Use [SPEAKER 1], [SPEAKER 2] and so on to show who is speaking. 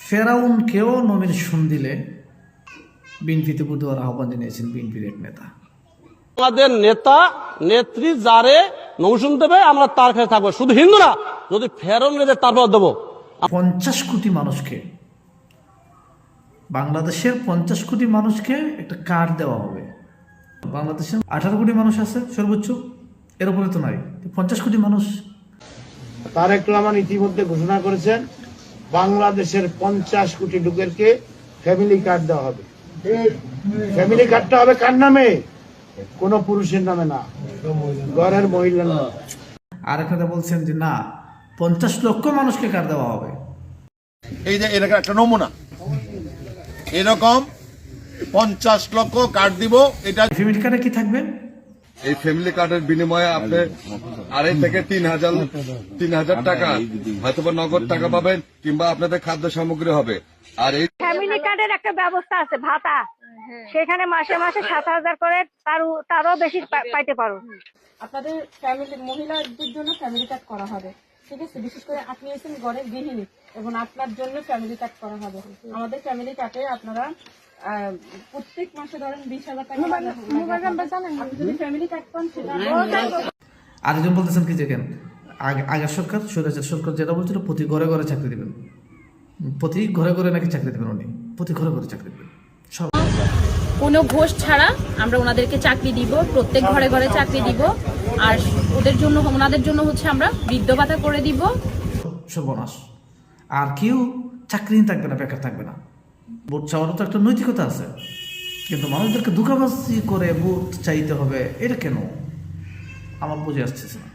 [SPEAKER 1] ফেরাউনকেও nomination দিলে বিএনপিতে বুধবার আহ্বান জানিয়েছেন বিএনপির এক নেতা।
[SPEAKER 2] আমাদের নেতা নেত্রী যারে নমিনেশন দেবে আমরা তার কাছে থাকবো, শুধু হিন্দু না, যদি ফেরাউন নেদের তারপর দেবো।
[SPEAKER 1] 50 কোটি মানুষকে, বাংলাদেশের 50 কোটি মানুষকে একটা কার্ড দেওয়া হবে। বাংলাদেশের 18 কোটি মানুষ আছে সর্বোচ্চ, এর উপরে তো নাই। 50 কোটি মানুষ।
[SPEAKER 3] তারেক রহমান ইতিমধ্যে ঘোষণা করেছেন বাংলাদেশের 50 কোটি লোকেরকে ফ্যামিলি কার্ড দেওয়া হবে। ফ্যামিলি কার্ডটা হবে কার নামে? কোন পুরুষের নামে না, ঘরের মহিলার নামে।
[SPEAKER 1] আর একটা বলছেন যে না, 50 লক্ষ মানুষকে কার্ড দেওয়া হবে।
[SPEAKER 4] এই যে এরকম একটা নমুনা, এরকম 50 লক্ষ কার্ড দিব। এটা
[SPEAKER 1] ফ্যামিলি কার্ডে কি থাকবে?
[SPEAKER 5] এই ফ্যামিলি কার্ডের বিনিময়ে আপনি 2.5 থেকে 3,000 টাকা হয়তো নগদ টাকা পাবেন, কিংবা আপনাদের খাদ্য সামগ্রী হবে। আর এই
[SPEAKER 6] ফ্যামিলি কার্ডের একটা ব্যবস্থা আছে, ভাতা, সেখানে মাসে মাসে 7,000 করে, তারও বেশি পাইতে পারো।
[SPEAKER 7] আপনাদের ফ্যামিলি মহিলাদের জন্য ফ্যামিলি কার্ড করা হবে, ঠিক আছে? বিশেষ করে আপনি হচ্ছেন ঘরের গৃহিণী এবং আপনার জন্য ফ্যামিলি কার্ড করা হবে। আমাদের ফ্যামিলি কার্ডে আপনারা প্রত্যেক মাসে ধরেন 20,000 টাকা আপনি যদি ফ্যামিলি কার্ড পান সেটা।
[SPEAKER 1] আরেকজন বলতেছেন কি যে কেন আগের সরকার, স্বৈরাচার সরকার যেটা বলছিল প্রতি ঘরে ঘরে চাকরি দিবেন, প্রতি ঘরে ঘরে নাকি চাকরি দেবেন, উনি প্রতি ঘরে ঘরে চাকরি দেবেন। সব
[SPEAKER 8] কোনো ঘোষ ছাড়া আমরা ওনাদেরকে চাকরি দিব, প্রত্যেক ঘরে ঘরে চাকরি দিব। আর ওনাদের জন্য হচ্ছে আমরা বৃদ্ধ ভাতা করে দিব।
[SPEAKER 1] সর্বনাশ। আর কেউ চাকরিহীন থাকবে না, বেকার থাকবে না। ভোট চাওয়ারও তো একটা নৈতিকতা আছে, কিন্তু মানুষদেরকে ধোঁকাবাজি করে ভোট চাইতে হবে, এটা কেন আমার বুঝে আসতেছে না।